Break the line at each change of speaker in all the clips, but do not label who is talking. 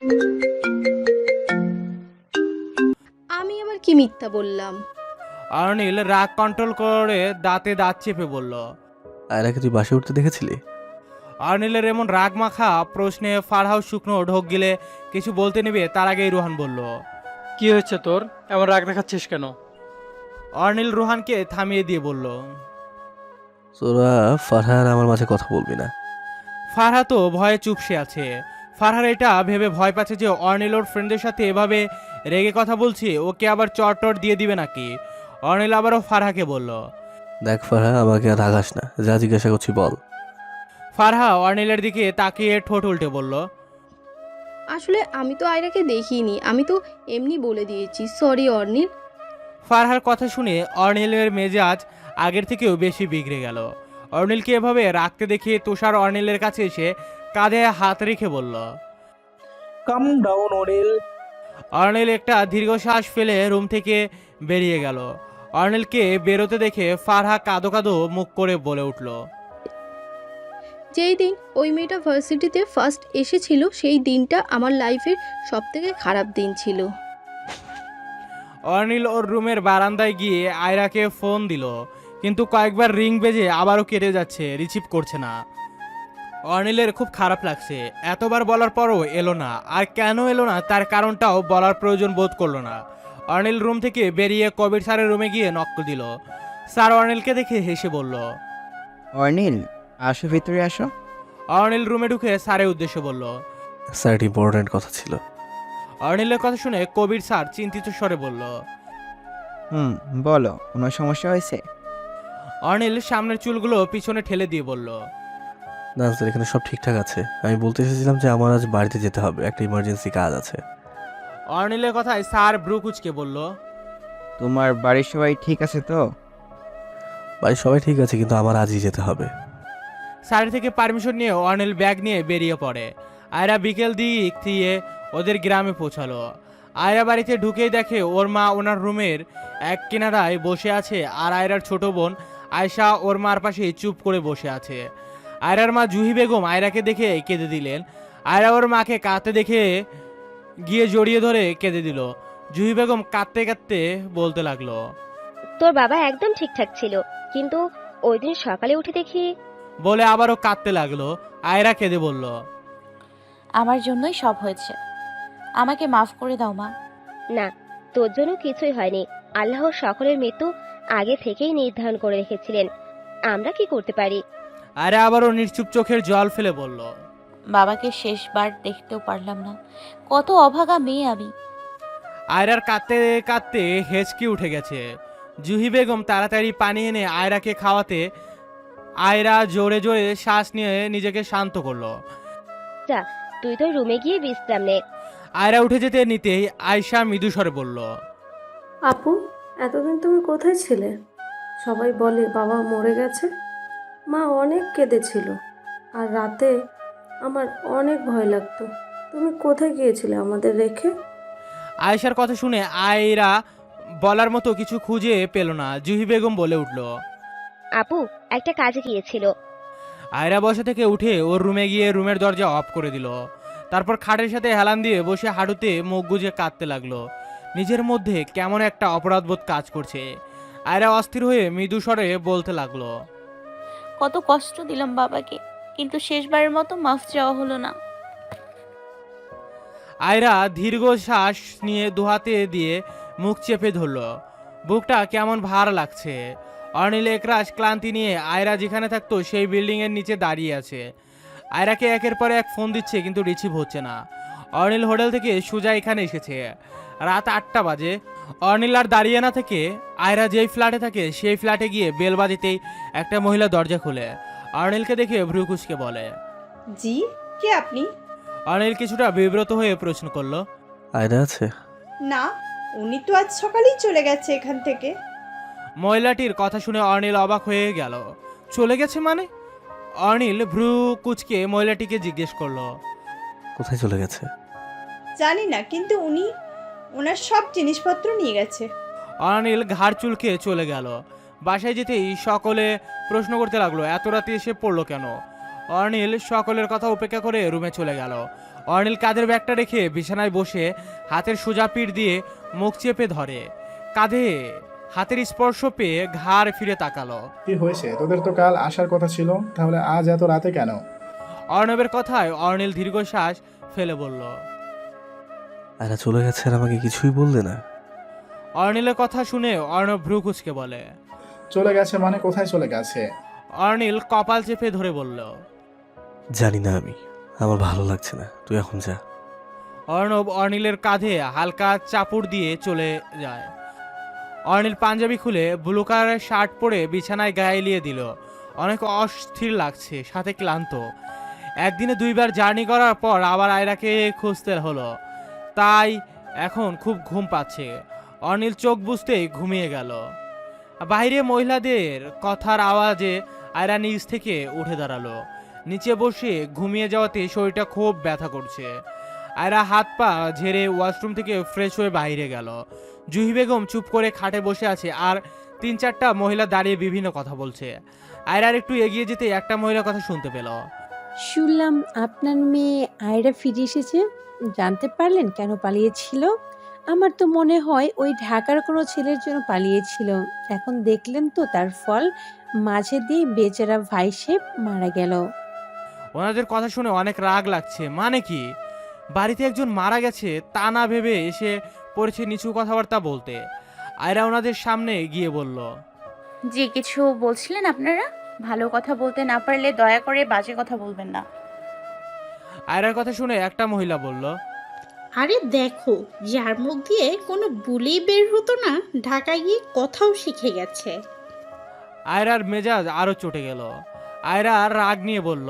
আমি আবার কি মিথ্যা বললাম?
অর্নিল রাগ কন্ট্রোল করে দাঁতে দাঁত চেপে বলল।
আয়রাকে তুই বাসে উঠতে দেখেছিলি?
অর্নিলের এমন রাগ মাখা প্রশ্নে ফারহাও শুকনো ঢোক গিলে কিছু বলতে নেবে তার আগেই রোহান বলল।
কি হয়েছে তোর, এমন রাগ দেখাচ্ছিস কেন?
অর্নিল রোহানকে থামিয়ে দিয়ে বলল।
তোরা ফারহা আর আমার মাঝে কথা বলবি না।
ফারহা তো ভয়ে চুপসে আছে। ফারহার এটা ভেবে ভয় পাচ্ছে যে অর্নিল ওর ফ্রেন্ডের সাথে এভাবে রেগে কথা বলছে, ওকে আবার চট দিয়ে দিবে নাকি। অর্নিল আবারও ফারহাকে বলল।
দেখ ফারহা, আমাকে আর রাগাস না, যা জিজ্ঞাসা করছি বল।
ফারহা অর্নিলের দিকে তাকিয়ে ঠোঁট উল্টে বলল।
আসলে আমি তো আয়রাকে দেখিনি, আমি তো এমনি বলে দিয়েছি, সরি অর্নিল।
ফারহার কথা শুনে অর্নিলের মেজাজ আগের থেকেও বেশি বিগড়ে গেল। অর্নিলকে এভাবে রাখতে দেখে তুষার অর্নিলের কাছে এসে কাঁধে হাত রেখে বলল।
কাম ডাউন অনিল।
অর্নিল একটা দীর্ঘশ্বাস ফেলে রুম থেকে বেরিয়ে গেল। অর্নিলকে বেরোতে দেখে ফারহা কাঁদো কাঁদো মুখ করে বলে উঠল।
যেই দিন ওই মেয়েটা ভার্সিটিতে ফার্স্ট এসেছিল সেই দিনটা আমার লাইফের সবথেকে খারাপ দিন ছিল।
অর্নিল ওর রুমের বারান্দায় গিয়ে আয়রাকে ফোন দিল, কিন্তু কয়েকবার রিং বেজে আবারও কেটে যাচ্ছে, রিসিভ করছে না। অর্নিলের খুব খারাপ লাগছে, এতবার বলার পরও এলো না। আর কেন এলো না তার কারণটাও বলার প্রয়োজন বোধ করলো না। অর্নিল রুম থেকে বেরিয়ে কবির স্যারের রুমে গিয়ে নক দিল। স্যার অর্নিলকে দেখে হেসে বলল।
অর্নিল, আসো ভিতরে আসো।
অর্নিল রুমে ঢুকে স্যারের উদ্দেশ্যে বলল।
স্যার, একটা ইম্পর্টেন্ট কথা ছিল।
অর্নিলের কথা শুনে কবির স্যার চিন্তিত স্বরে বলল।
বলো, কোনো সমস্যা হয়েছে?
অর্নিল সামনের চুলগুলো পিছনে ঠেলে দিয়ে বলল।
না স্যার, এখানে সব ঠিকঠাক আছে। আমি বলতে এসেছিলাম যে আমার আজ বাড়িতে যেতে হবে, একটা ইমার্জেন্সি কাজ আছে।
অর্নিলের কথায় স্যার ব্রু কুচকে বলল।
তোমার বাড়ির সবাই ঠিক আছে তো?
বাড়ির সবাই ঠিক আছে, কিন্তু আমার আজই যেতে হবে।
স্যারের থেকে পারমিশন নিয়ে অর্নিল ব্যাগ নিয়ে বেরিয়ে পড়ে। আয়রা বিকেল দিক দিয়ে ওদের গ্রামে পৌঁছালো। আয়রা বাড়িতে ঢুকেই দেখে ওর মা ওনার রুমের এক কিনারায় বসে আছে, আর আয়রার ছোট বোন আয়শা ওর মার পাশে চুপ করে বসে আছে। আয়রার মা জুহি বেগম আয়রাকে দেখে কেঁদে দিলেন। আয়রা ওর মাকে কাঁদতে দেখে গিয়ে জড়িয়ে ধরে কেঁদে দিল। জুহি বেগম কাঁদতে কাঁদতে বলতে লাগলো।
তোর বাবা একদম ঠিকঠাক ছিল, কিন্তু ওই দিন সকালে উঠে দেখি।
বলে আবারও কাঁদতে লাগলো। আয়রা কেঁদে বলল।
আমার জন্যই সব হয়েছে, আমাকে মাফ করে দাও মা।
না, তোর জন্য কিছুই হয়নি। আল্লাহ সকলের মৃত্যু আগে থেকেই নির্ধারণ করে রেখেছিলেন, আমরা কি করতে পারি?
আরে আবারও নিশ্চুপ চোখের জল ফেলে বলল।
বাবাকে শেষবার দেখতেও পারলাম না, কত অভাগা মেয়ে আমি।
আয়রার কাঁদতে কাঁদতে হেঁচকি উঠে গেছে। জুহি বেগম তাড়াতাড়ি পানি এনে আয়রাকে খাওয়াতে আয়রা জোরে জোরে শ্বাস নিয়ে নিজেকে শান্ত করলো।
যা, তুই তো রুমে গিয়ে বিশ্রাম নে।
আয়রা উঠে যেতে নিতেই আয়শা মৃদু স্বরে বলল।
আপু, এতদিন তুমি কোথায় ছিলে? সবাই বলে বাবা মরে গেছে। মা অনেক কেঁদেছিল, আর রাতে আমার অনেক ভয় লাগতো। তুমি কোথায় গিয়েছিলে আমাদের রেখে?
আয়েশার কথা শুনে আয়রা বলার মতো কিছু খুঁজে পেল না। জুহি বেগম বলে উঠল।
আপু একটা কাজে গিয়েছিল।
আয়রা বসা থেকে উঠে ওর রুমে গিয়ে রুমের দরজা অফ করে দিল। তারপর খাটের সাথে হেলান দিয়ে বসে হাঁটুতে মুখ গুজে কাঁদতে লাগলো। নিজের মধ্যে কেমন একটা অপরাধবোধ কাজ করছে। আয়রা অস্থির হয়ে মৃদু স্বরে বলতে লাগলো।
কত কষ্ট দিলাম বাবাকে, কিন্তু শেষবারের মতো মাফ চাওয়া হলো না।
আয়রা দীর্ঘ শ্বাস নিয়ে দুহাতে দিয়ে মুখ চেপে ধরল। বুকটা কেমন ভার লাগছে। অর্নিল একরাশ ক্লান্তি নিয়ে আয়রা যেখানে থাকতো সেই বিল্ডিংয়ের নিচে দাঁড়িয়ে আছে। আয়রাকে একের পর এক ফোন দিচ্ছে, কিন্তু রিসিভ হচ্ছে না। অর্নিল হোটেল থেকে সোজা এখানে এসেছে। রাত 8টা বাজে। অর্নিল আর দাঁড়িয়ে না থেকে আয়রা যেই ফ্ল্যাটে থাকে সেই ফ্ল্যাটে গিয়ে বেল বাজিতেই একটা মহিলা দরজা খুলে অর্নিলকে দেখে ভ্রু কুঁচকে বলে।
জি, কে আপনি?
অর্নিল কিছুটা বিব্রত হয়ে প্রশ্ন করলো।
আয়রা আছে?
না, উনি তো আজ সকালেই চলে গেছে এখান থেকে।
মহিলাটির কথা শুনে অর্নিল অবাক হয়ে গেল। চলে গেছে মানে? অর্নিল ভ্রু কুচকে মহিলাটিকে জিজ্ঞেস করলো।
কোথায় চলে গেছে?
জানি না, কিন্তু উনি ওনার সব জিনিসপত্র নিয়ে গেছে।
অর্নিল ঘাড় চুলকে চলে গেল। বাসায় যেতেই সকলে প্রশ্ন করতে লাগলো এত রাতে এসে পড়লো কেন। অর্নিল সকলের কথা উপেক্ষা করে রুমে চলে গেল। অর্নিল কাঁধের ব্যাগটা রেখে বিছানায় বসে হাতের সোজা পিঠ দিয়ে মুখ চেপে ধরে। কাঁধে হাতের স্পর্শ পেয়ে ঘাড় ফিরে তাকালো।
কি হয়েছে? তোদের তো কাল আসার কথা ছিল, তাহলে আজ এত রাতে কেন?
অর্ণবের কথায় অর্নিল দীর্ঘশ্বাস ফেলে বলল।
আয়রা চলে গেছে আর আমাকে কিছুই বললে না?
অর্নিলের কথা শুনে অর্ণব ভ্রু কুঁচকে বলে।
চলে গেছে মানে কোথায় চলে গেছে?
অর্নিল কপাল চেপে ধরে বলল।
জানি না আমি, আমার ভালো লাগছে না, তুই এখন যা।
অর্ণব অর্নিলের কাঁধে হালকা চাপড় দিয়ে চলে যায়। অর্নিল পাঞ্জাবি খুলে ব্লু কালারের শার্ট পরে বিছানায় গায়ে এলিয়ে দিল। অনেক অস্থির লাগছে, সাথে ক্লান্ত। একদিনে 2বার জার্নি করার পর আবার আয়রাকে খুঁজতে হলো, তাই এখন খুব ঘুম পাচ্ছে। অর্নিল চোখ বুঝতেই ঘুমিয়ে গেল। বাইরে মহিলাদের কথার আওয়াজে আয়রা নিচ থেকে উঠে দাঁড়ালো। নিচে বসে ঘুমিয়ে যাওয়াতে শরীরটা খুব ব্যথা করছে। আয়রা হাত পা ঝেড়ে ওয়াশরুম থেকে ফ্রেশ হয়ে বাইরে গেল। জুহি বেগম চুপ করে খাটে বসে আছে, আর 3-4টা মহিলা দাঁড়িয়ে বিভিন্ন কথা বলছে। আয়রার একটু এগিয়ে যেতে একটা মহিলার কথা শুনতে পেল।
শুনলাম আপনার মেয়ে আয়রা ফিরে এসেছে, জানতে পারলেন কেন পালিয়েছিল? আমার তো মনে হয় ওই ঢাকার কোনো ছেলের জন্য পালিয়েছিল। এখন দেখলেন তো তার ফল, মাঝে দিয়ে বেচারা ভাই সাহেব মারা গেল।
ওনাদের কথা শুনে অনেক রাগ লাগছে। মানে কি, বাড়িতে একজন মারা গেছে তা না ভেবে এসে পড়েছে নিচু কথাবার্তা বলতে। আয়রা ওনাদের সামনে গিয়ে বলল।
যে কিছু বলছিলেন আপনারা, ভালো কথা বলতে না পারলে দয়া করে বাজে কথা বলবেন না।
আয়রার কথা শুনে একটা মহিলা বলল।
আরে দেখো, যার মুখ দিয়ে কোনো বুলি বের হতো না, ঢাকায় গিয়ে কথাও শিখে গেছে।
আয়রার মেজাজ আরো চটে গেল। আয়রা রাগ নিয়ে বলল।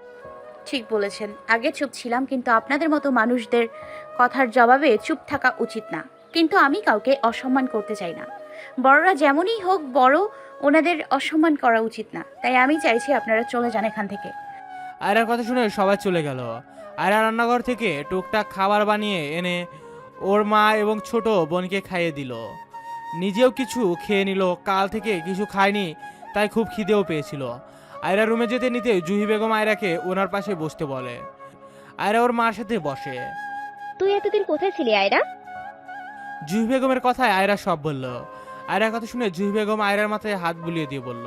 ঠিক বলেছেন, আগে চুপ ছিলাম, কিন্তু আপনাদের মতো মানুষদের কথার জবাবে চুপ থাকা উচিত না। কিন্তু আমি কাউকে অসম্মান করতে চাই না। বড়রা যেমনই হোক, বড় ওনাদের অসম্মান করা উচিত না। তাই আমি চাইছি আপনারা চলে যান এখান থেকে।
আয়রার কথা শুনে সবাই চলে গেল। আয়রা রান্নাঘর থেকে টুকটাক খাবার বানিয়ে এনে ওর মা এবং ছোট বোনকে খাইয়ে দিল। নিজেও কিছু খেয়ে নিল। কাল থেকে কিছু খায়নি, তাই খুব খিদেও পেয়েছিল। আয়রা রুমে যেতে নিতে জুহি বেগম আয়রাকে ওনার পাশে বসতে বলে। আয়রা ওর মার সাথে বসে।
তুই এতদিন কোথায় ছিলি আয়রা?
জুহি বেগমের কথায় আয়রা সব বলল। আয়রার কথা শুনে জুহি বেগম আয়রার মাথায় হাত বুলিয়ে দিয়ে বলল।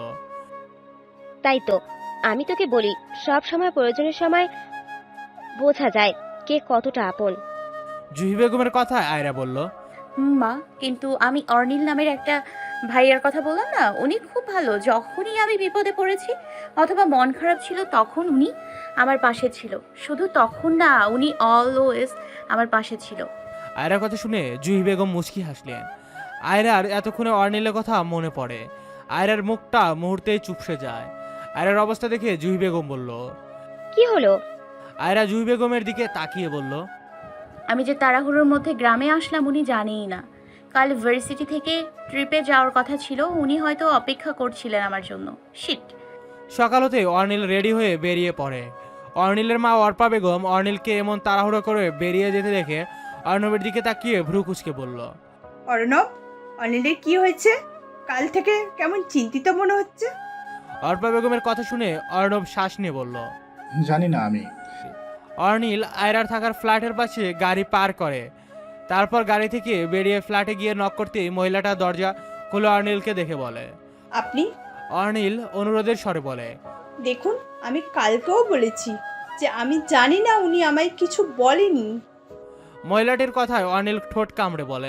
তাই তো আমি তোকে বলি, সব সময় প্রয়োজনের সময় বোঝা যায় কে কতটা আপন।
জুহি বেগমের কথায় আয়রা বলল।
মা, কিন্তু আমি অর্নিল নামের একটা ভাইয়ার কথা বললাম না, উনি খুব ভালো। যখনই আমি বিপদে পড়েছি অথবা মন খারাপ ছিল, তখন উনি আমার পাশে ছিল। শুধু তখন না, উনি অলওয়েজ আমার পাশে ছিল।
আয়রার কথা শুনে জুহি বেগম মুচকি হাসলেন। আয়রার এতক্ষণে অর্নিলের কথা মনে পড়ে। আয়রার মুখটা মুহূর্তেই চুপসে যায়। আয়রার অবস্থা দেখে জুহি বেগম বলল।
কি হলো?
আয়রা জুহি বেগমের দিকে তাকিয়ে বলল।
আমি যে তাড়াহুড়োর মধ্যে গ্রামে আসলাম উনি জানেই না। কাল ভার্সিটি থেকে ট্রিপে যাওয়ার কথা ছিল, উনি হয়তো অপেক্ষা করছিলেন আমার জন্য। শিট।
সকাল হতে অর্নিল রেডি হয়ে বেরিয়ে পড়ে। অর্নিলের মা অর্পা বেগম অর্নিলকে এমন তাড়াহুড়ো করে বেরিয়ে যেতে দেখে অর্ণবের দিকে তাকিয়ে ভ্রু কুঁচকে বলল।
অর্ণব, অনিলের কি হয়েছে? কাল থেকে কেমন চিন্তিত মনে হচ্ছে।
অর্পা বেগমের কথা শুনে অর্ণব শ্বাস নিয়ে বলল।
জানি না আমি।
অর্নিল আয়রার থাকার ফ্ল্যাটের পাশে গাড়ি পার করে। তারপর গাড়ি থেকে বেরিয়ে ফ্ল্যাটে গিয়ে নক করতেই মহিলাটা দরজা খুলে অর্নিলকে দেখে বলে।
আপনি?
অর্নিল অনুরোধের স্বরে বলে।
দেখুন, আমি কালকেও বলেছি যে আমি জানি না, উনি আমায় কিছু বলেনি।
মহিলাটির কথায় অর্নিল ঠোঁট কামড়ে বলে।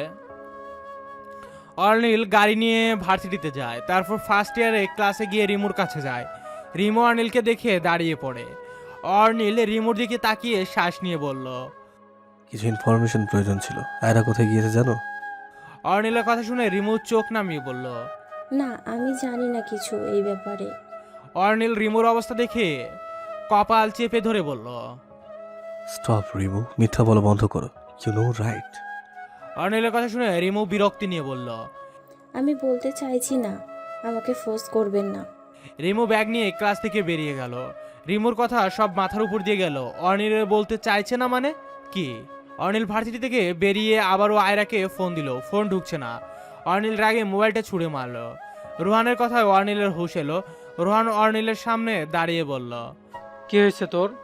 অর্নিল গাড়ি নিয়ে ভার্সিটিতে যায়। তারপর ফার্স্ট ইয়ারে ক্লাসে গিয়ে রিমুর কাছে যায়। রিমু অর্নিলকে দেখে দাঁড়িয়ে পড়ে। অর্নিল রিমুর দিকে তাকিয়ে শ্বাস নিয়ে বলল।
কিছু ইনফরমেশন প্রয়োজন ছিল। আয়রা কোথায় গিয়েছে জানো?
অর্নিলের কথা শুনে রিমু চোখ নামিয়ে বলল।
না, আমি জানি না কিছু এই ব্যাপারে।
অর্নিল রিমুর অবস্থা দেখে কপাল চেপে ধরে বলল।
স্টপ রিমু, মিথ্যা বলা বন্ধ করো। You know right.
অর্নিলের কথা শুনে রিমু বিরক্তি নিয়ে বলল।
আমি বলতে চাইছি না, আমাকে ফোর্স করবেন না।
রিমু ব্যাগ নিয়ে ক্লাস থেকে বেরিয়ে গেল। রিমুর কথা সব মাথার উপর দিয়ে গেল। অর্নিল বলতে চাইছে না মানে কি? অর্নিল ভার্সিটি থেকে বেরিয়ে আবারও আয়রাকে ফোন দিল, ফোন ঢুকছে না। অর্নিল রাগে মোবাইলটা ছুঁড়ে মারল। রোহানের কথায় অর্নিলের হুঁশ এলো। রোহান অর্নিলের সামনে দাঁড়িয়ে বলল।
কি হয়েছে তোর?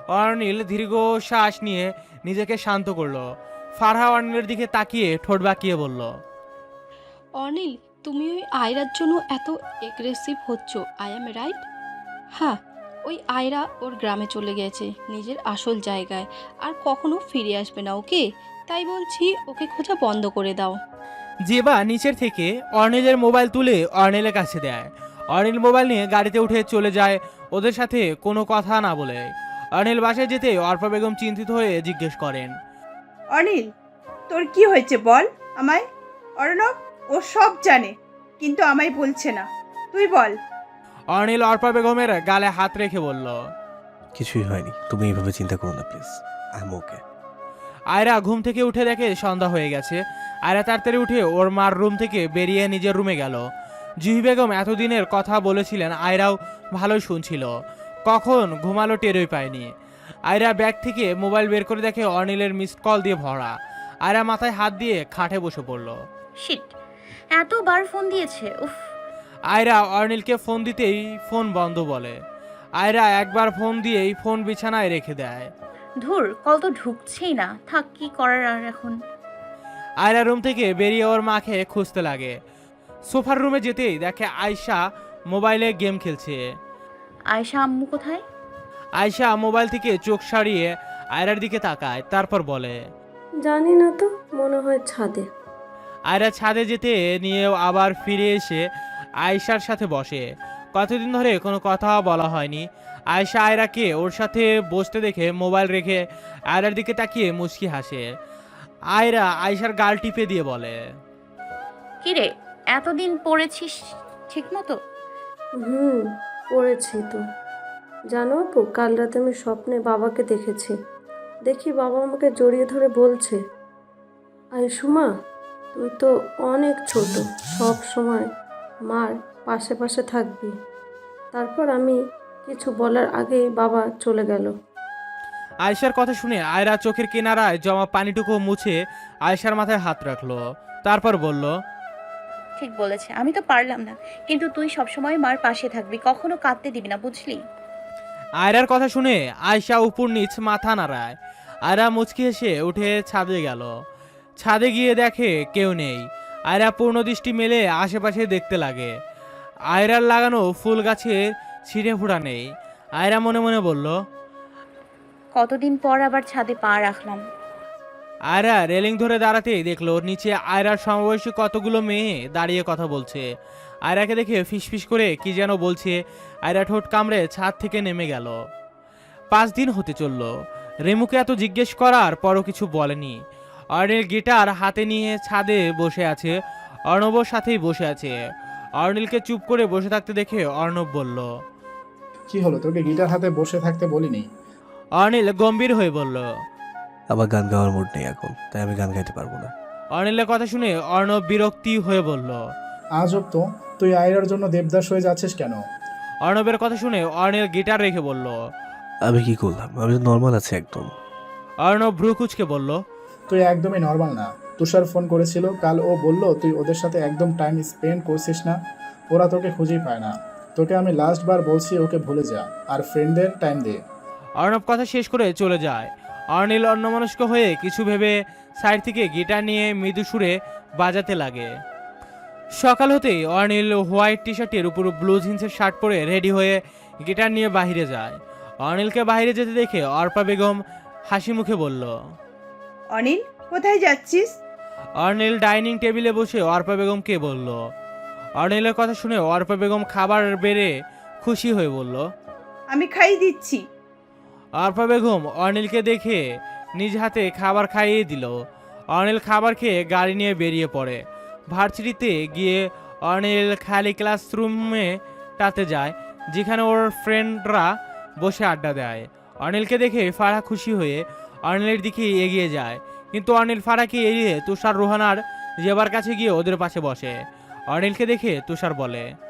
অর্নিল দীর্ঘ শ্বাস নিয়ে নিজেকে শান্ত করলো। ফারহা অর্নিলের দিকে তাকিয়ে ঠোঁট বাঁকিয়ে বলল,
অনিল, তুমি ওই আয়রার জন্য এত এগ্রেসিভ হচ্ছ, আই অ্যাম রাইট? হ্যাঁ, ওই আয়রা ওর গ্রামে চলে গেছে, নিজের আসল জায়গায়, আর কখনো ফিরে আসবে না, ওকে? তাই বলছি ওকে খোঁজা বন্ধ করে দাও।
জেবা নিচের থেকে অর্নিলের মোবাইল তুলে অর্নিলের কাছে দেয়। অর্নিল মোবাইল নিয়ে গাড়িতে উঠে চলে যায় ওদের সাথে কোনো কথা না বলে। অর্নিল বাসায় যেতে অর্পা বেগম চিন্তিত হয়ে জিজ্ঞেস করেন,
অনিল, তোর কি হয়েছে বল আমায়। অর্ণব ও সব জানে, কিন্তু আমায় বলছে না, তুই বল।
অর্নিল অর্পা বেগমের গালে হাত রেখে বলল,
কিছুই হয়নি, তুমি এইভাবে চিন্তা করো না please, I am okay.
Ayra ঘুম থেকে উঠে দেখে সন্ধ্যা হয়ে গেছে। আয়রা তাড়াতাড়ি উঠে ওর মার রুম থেকে বেরিয়ে নিজের রুমে গেল। জুহি বেগম এতদিনের কথা বলেছিলেন, আয়রাও ভালোই শুনছিল। কখন ঘুমালো টেরই পায়নি। আয়রা ব্যাগ থেকে মোবাইল বের করে দেখে অর্নিলের মিসড কল দিয়ে ভরা। আয়রা মাথায় হাত দিয়ে খাটে বসে পড়ল।
শিট, এতবার ফোন দিয়েছে, উফ।
আয়রা অর্নিলকে ফোন দিতেই ফোন বন্ধ বলে। আয়রা একবার ফোন দিয়েই ফোন বিছানায় রেখে দেয়।
ধুর, কল তো ঢুকছেই না, থাক, কি করার আর এখন।
আয়রা রুম থেকে বেরিয়ে ওর মাকে খুঁজতে লাগে। সোফার রুমে যেতেই দেখে আয়শা মোবাইলে গেম খেলছে।
আয়শা আম্মু কোথায়?
আয়শা মোবাইল থেকে চোখ সারিয়ে আয়রার দিকে তাকায়, তারপর বলে,
জানি না তো, মনে হয় ছাদে।
আয়রা ছাদে যেতে নিয়েও আবার ফিরে এসে আয়শার সাথে বসে। কতদিন ধরে কোনো কথা বলা হয়নি। আয়শা আয়রাকে ওর সাথে বসতে দেখে মোবাইল রেখে আয়রার দিকে তাকিয়ে মুচকি হাসে। আয়রা আয়শার গাল টিপে দিয়ে বলে,
কিরে, এতদিন পড়েছিস ঠিক মতো?
পড়েছি তো। জানো আপু, কাল রাতে আমি স্বপ্নে বাবাকে দেখেছি। দেখি বাবা আমাকে জড়িয়ে ধরে বলছে, আইসুমা, তুই তো অনেক ছোট, সব সময় মার পাশে পাশে থাকবি। তারপর আমি কিছু বলার আগেই বাবা চলে গেল।
আয়শার কথা শুনে আয়রা চোখের কিনারায় জমা পানিটুকু মুছে আয়শার মাথায় হাত রাখলো, তারপর বলল,
ঠিক বলেছে, আমি তো পারলাম না, কিন্তু তুই সবসময় মার পাশে থাকবি, কখনো কাঁদতে দিবি না, বুঝলি?
আয়রার কথা শুনে আয়শা উপর নিচ মাথা নাড়ায়। আয়রা মুচকি হেসে উঠে ছাদে গেল। ছাদে গিয়ে দেখে কেউ নেই। আয়রা পূর্ণ দৃষ্টি মেলে আশেপাশে দেখতে লাগে। আয়রার লাগানো ফুল গাছে ছিঁড়ে ফোড়া নেই। আয়রা মনে মনে বলল,
কতদিন পর আবার ছাদে পা রাখলাম।
আয়রা রেলিং ধরে দাঁড়াতেই দেখলো নিচে আয়রার সমবয়সী কতগুলো মেয়ে দাঁড়িয়ে কথা বলছে। আয়রাকে দেখে ফিসফিস করে কি যেন বলছে। আয়রা ঠোঁট কামড়ে ছাদ থেকে নেমে গেল। 5 দিন হতে চলল। রেমুকে এত জিজ্ঞেস করার পরও কিছু বলেনি। অর্নিল গিটার হাতে নিয়ে ছাদে বসে আছে। অর্ণবর সাথেই বসে আছে। অর্নিলকে চুপ করে বসে থাকতে দেখে অর্ণব বলল,
কি হলো, তোকে গিটার হাতে বসে থাকতে বলিনি?
অর্নিল গম্ভীর হয়ে বলল,
আমার গান গাওয়ার মুড নেই এখন, তাই আমি গান গাইতে পারবো না।
অর্নিলের কথা শুনে অর্ণব বিরক্তি হয়ে বলল,
আজব তো, তুই আয়রার জন্য দেবদাস হয়ে যাচ্ছিস কেন?
অর্ণবের কথা শুনে অর্নিল গিটার রেখে বলল,
আমি কি করলাম, আমি তো নর্মাল আছি একদম।
অর্ণব ভ্রু কুচকে বলল,
তুই একদমই নর্মাল না। তুষার ফোন করেছিল কাল, ও বলল তুই ওদের সাথে একদম টাইম স্পেন্ড করছিস না, ওরা তোকে খুঁজেই পায় না। তোকে আমি লাস্ট বার বলছি ওকে ভুলে যা আর ফ্রেন্ডদের টাইম দে।
অর্ণব কথা শেষ করে চলে যায়। অর্নিল অন্যমনস্ক হয়ে কিছু ভেবে সাইড থেকে গিটার নিয়ে মৃদু সুরে বাজাতে লাগে। সকাল হতেই অর্নিল হোয়াইট টি শার্টের উপর ব্লু জিন্সের শার্ট পরে রেডি হয়ে গিটার নিয়ে বাইরে যায়। অর্নিলকে বাইরে যেতে দেখে অর্পা বেগম হাসি মুখে বলল,
অনিল, কোথায় যাচ্ছিস?
অর্নিল ডাইনিং টেবিলে বসে অর্পা বেগমকে বলল। অর্নিলের কথা শুনে অর্পা বেগম খাবার বেড়ে খুশি হয়ে বলল,
আমি খাইয়ে দিচ্ছি।
অর্পা বেগম অর্নিলকে দেখে নিজ হাতে খাবার খাইয়ে দিল। অর্নিল খাবার খেয়ে গাড়ি নিয়ে বেরিয়ে পড়ে। ভার্সিটিতে গিয়ে অর্নিল খালি ক্লাসরুমে টাতে যায়, যেখানে ওর ফ্রেন্ডরা বসে আড্ডা দেয়। অর্নিলকে দেখে ফারাহ খুশি হয়ে অর্নিলের দিকে এগিয়ে যায়, কিন্তু অর্নিল ফারাহকে এড়িয়ে তুষার রোহানার জেবার কাছে গিয়ে ওদের পাশে বসে। অর্নিলকে দেখে তুষার বলে,